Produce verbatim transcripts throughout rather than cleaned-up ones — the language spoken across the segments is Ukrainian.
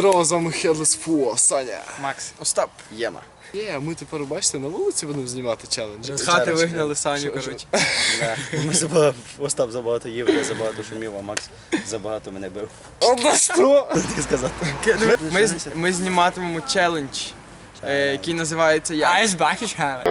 Здорово, з вами Headless Фу, Саня. Макс. Остап. Єма. Є, ми тепер, бачите, на вулиці будемо знімати челендж. З хати вигнали Саню, коротше. Да. Ми забагато, Остап забагато їв, я забагато шумів, а Макс забагато мене бив. Одна що? Так сказати. Ми, з- ми зніматимемо челендж, е, який називається як? Айсбахішхаве.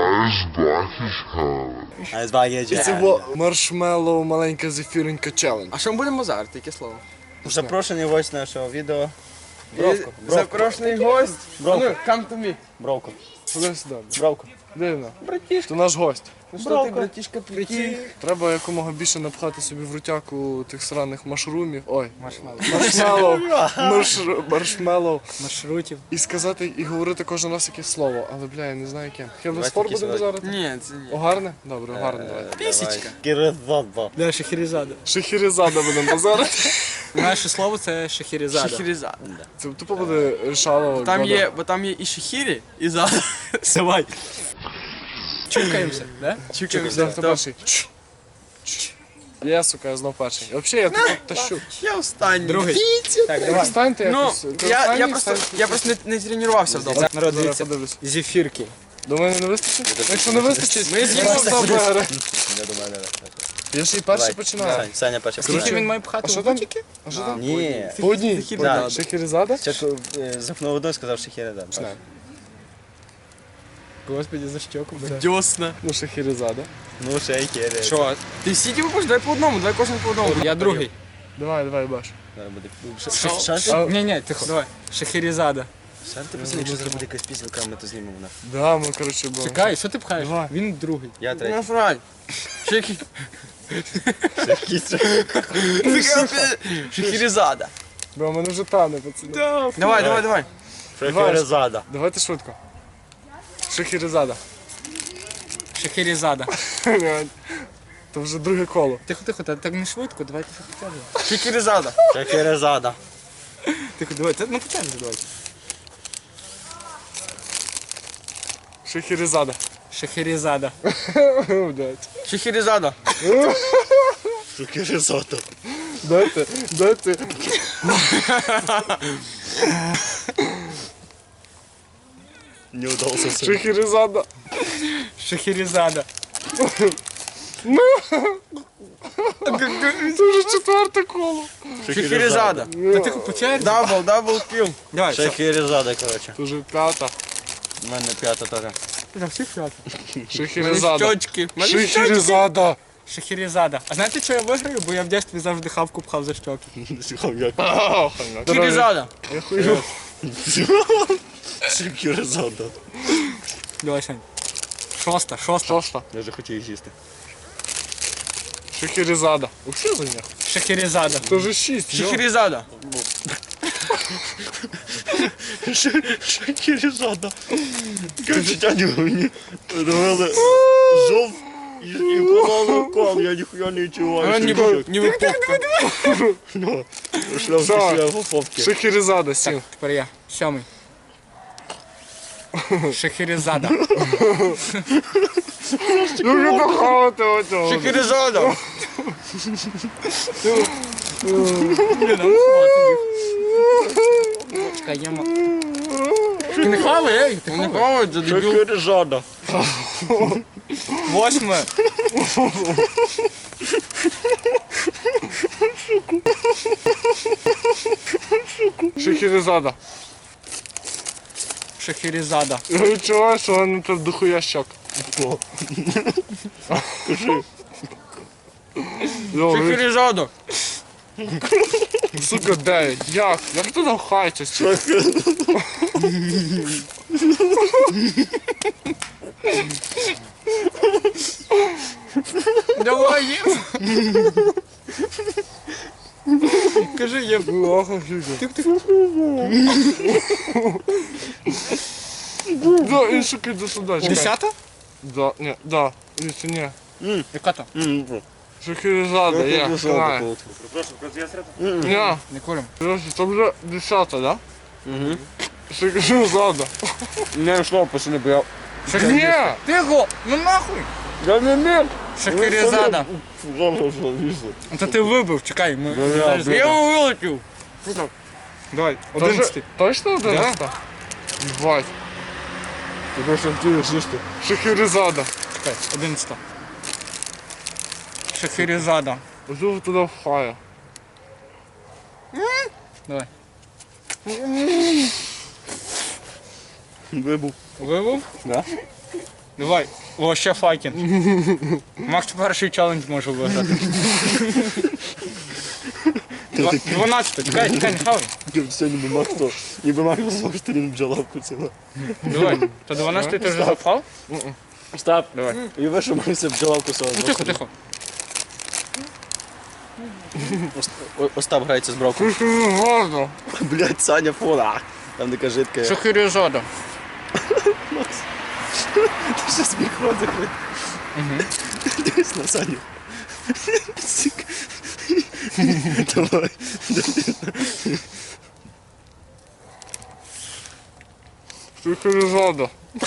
А з багато І це було маршмеллоу маленька зефіренька челендж. А що ми будемо зараз? Яке слово? Запрошений гость нашого відео. Бровко. І запрошений гость. Бровко. Ну, come to me. Бровко. Ходи сюди. Бровко. Дивно. Братішка. Це наш гость. Ну що ти, братішка, прикинь? Треба якомога більше напхати собі в рутяку тих сраних машрумів. Ой, Маршмеллоу. маршмеллоу. Марш- Маршмеллоу. Маршрутів. І сказати, і говорити кожен раз якесь слово. Але, бля, я не знаю яке. Headless Давайте Four якісь будемо зараз? Ні, це ні. Огарне? Добре, огарне давай. Пісічка. Киризадба. Да, Шахерезада. Шахерезада будемо базарити. Наше слово це Шахерезада. Шахерезада. Це тупо буде рішало. Там є, бо там є і шахірі, і зада. Давай. Чукаємося, да? Чекай, хто перший? Чш. Чш. Я, сука, я знов перший. Взагалі, я тут тащу. Я останній. Другий. Так, давай. Встаньте Ну, якось. Ти я, останній, я просто, встаньте. я просто не, не тренувався вдома. Народ, Зараз дивіться. подивлюсь. Зефірки. Думаю, не вистачить? Якщо не вистачить, Ми з'їмо просто бере. Я думаю, не. Я ще й перший Давай. починаю. Сань- Саня перший. Скільки Коротше, він має А пхати що в там? бутики? А що там? Ні. По одній. Шахерезада. Шахерезада? Спочатку е, запнув одну і сказав Шахерезада. Починаємо. Господи, за щоку. Дьосна. Ну, Шахерезада. Ну, Шахерезада. Що? Ти всі ті будеш, давай по одному, давай кожен по одному. Я другий. Давай, давай, баш. Шанс? А, Ні, ні, тихо. Давай. Шахерезада. Шанс, ти пацани, якщо зробити якась пісенька, ми то знімемо на. Да, ми, коротше, будемо. Чекай, що ти пхаєш? Давай. Він другий. Я третій. Насрать. Шахі... Шахерезада. Бо в мене вже тане, пацани. Давай, давай, давай. Шахерезада. Давайте швидко. Шахерезада. Шахерезада. То вже друге коло. Тихо, тихо, та так не швидко, давайте що почали. Шахерезада. Шахерезада. Тихо, давай, це ну почали давайте. Шахерезада. Шахерезада. Блядь. Шахерезада. Шахерезада. Дайте, дайте. Не удался. Шахерезада. Шахерезада. Це вже четверте коло. Шахерезада. Та тихо, по черзі. Дабл, дабл кіл. Давай, все. Шахерезада, коротше. Це вже п'ята. У мене п'ята теж. За всіх п'ять. Шахерезада. Щочки. Шахерезада. Шахерезада. А знаєте, що я виграю? Бо я в дитинстві завжди хавку пхав за щоки. Шахерезада. Шахерезада. Давай, Сань. Шоста, шоста. Шоста. Я вже хотів їх з'їсти. Шахерезада. Вообще за них. Шахерезада. Це вже шість. йо. Шахерезада. Шахерезада. Короче, тяні мені робили жов і, і кололи кол, я ніхуя не відчуваю. Ніби, ніби попка. Ну, шлях Так. після попки. Шахерезада, сім. Тепер я. Сьомий. Шахерезада. Ну ви дохавати оцього. Шахерезада. Чекай, я ма... Ти не хавай, ей, ти Не хавай. хавать, за дебіл. Шахерезада. Восьме. Шахерезада. Шахерезада. Я відчуваю, що воно тут дохуя щок. Добре, Шахерезада. сука, дев'ять. Як? Як ти нахаєшся? Давай, їм. Кажи, я... Охо, Да, і сука, йди сюди. чекай. Десята? Да, ні, да. Ні, ні. Яка то? Шахерезада, я знаю. Ні, Не курим. короче, це вже десята, да? Угу. Шахерезада. Не йшло, пацани, бо я... Ні! Тихо, ну нахуй. Я не міг. Шахерезада. Зараз залізли. Та ти вибив, чекай, ми... я, Я його вилетів. Давай, Тоже- одинадцятий. Точно одинадцята? Ебать. Ти дуже втілиш, що ж ти? Шахерезада. Чекай, одинадцята. Шахерезада. Ось туди вхає. Давай. Вибув. Вивов? Да? Давай. О, ще файкінг. Макс перший челендж може виграти. Два- дванадцятий. Чекай, чекай, не хавай. Все, ніби Макс, ніби Макс з двох сторін бджола вкусила. Давай. То дванадцятий ти вже запав? Остап, Давай. і ви, що Макса бджола вкусила. Ну тихо, тихо. О- Остап грається з бровком. Шахерезада. Блять, Саня, фона. Там така жидка. Шахерезада. Ти що сміх рот закрив? Дивись на Саню. Сік. Давай. Шахерезада.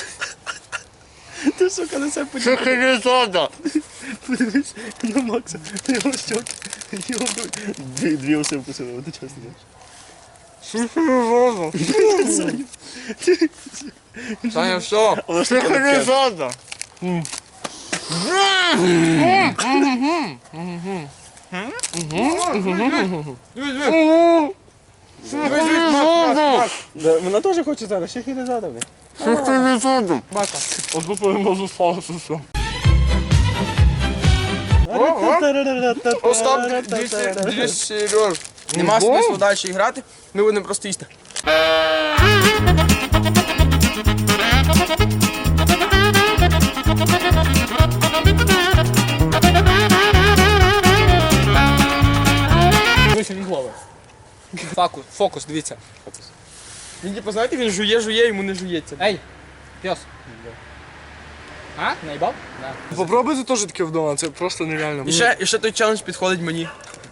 Ти, сука, на себе подивись. Шахерезада. Подивись на Макса, на його щоки. Його дві, дві оси вкусили одночасно. Шахерезада. Саню. Саня, все. Вона ж така таке. Шахерезада. Да, вона теж хоче зараз, ще не задав. Шахерезада. Одну повинно сталося все. Остап, дивіться, дивіться, Сереж. Нема смислу далі грати, ми будемо просто їсти. Дивися, він голови. Фокус, фокус, дивіться. Він, типу, знаєте, він жує, жує, йому не жується. Ей, пес. А? Наїбав? Да. Попробуйте теж таке вдома, це просто нереально. І ще, і ще той челендж підходить мені.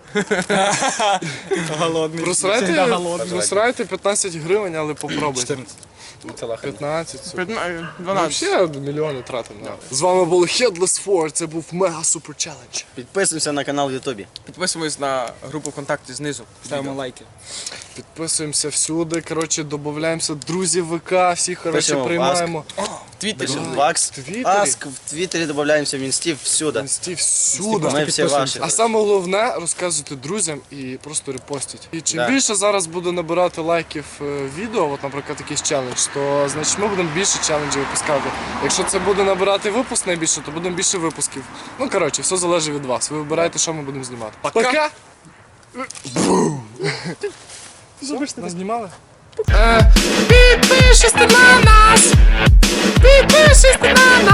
Голодний. Просрайте, Всегда голодний. просрайте п'ятнадцять гривень, але попробуйте. чотирнадцять. п'ятнадцять. супер. дванадцять. Взагалі мільйони тратимо. З вами був Headless Four, це був мега супер челендж. Підписуйся на канал в Ютубі. Підписуємось на групу ВКонтакті знизу. Ставимо лайки. Підписуємося всюди, коротше, додаємо друзів ВК, всіх, коротше, Пишемо приймаємо. В Твіттері. Пишемо Вакс, В Твіттері. Аск, в Твіттері додаємося в Інсті, всюди. Інсті всюди. Ми всі ваші. А саме головне розказуйте друзям і просто репостіть. І чим Да. більше зараз буде набирати лайків е, відео, от, наприклад, якийсь челендж, то значить ми будемо більше челенджів випускати. Якщо це буде набирати випуск найбільше, то будемо більше випусків. Ну коротше, все залежить від вас. Ви вибираєте, що ми будемо знімати. Пока! Все, нас знімали? Підпишись на нас! Підпишись на нас!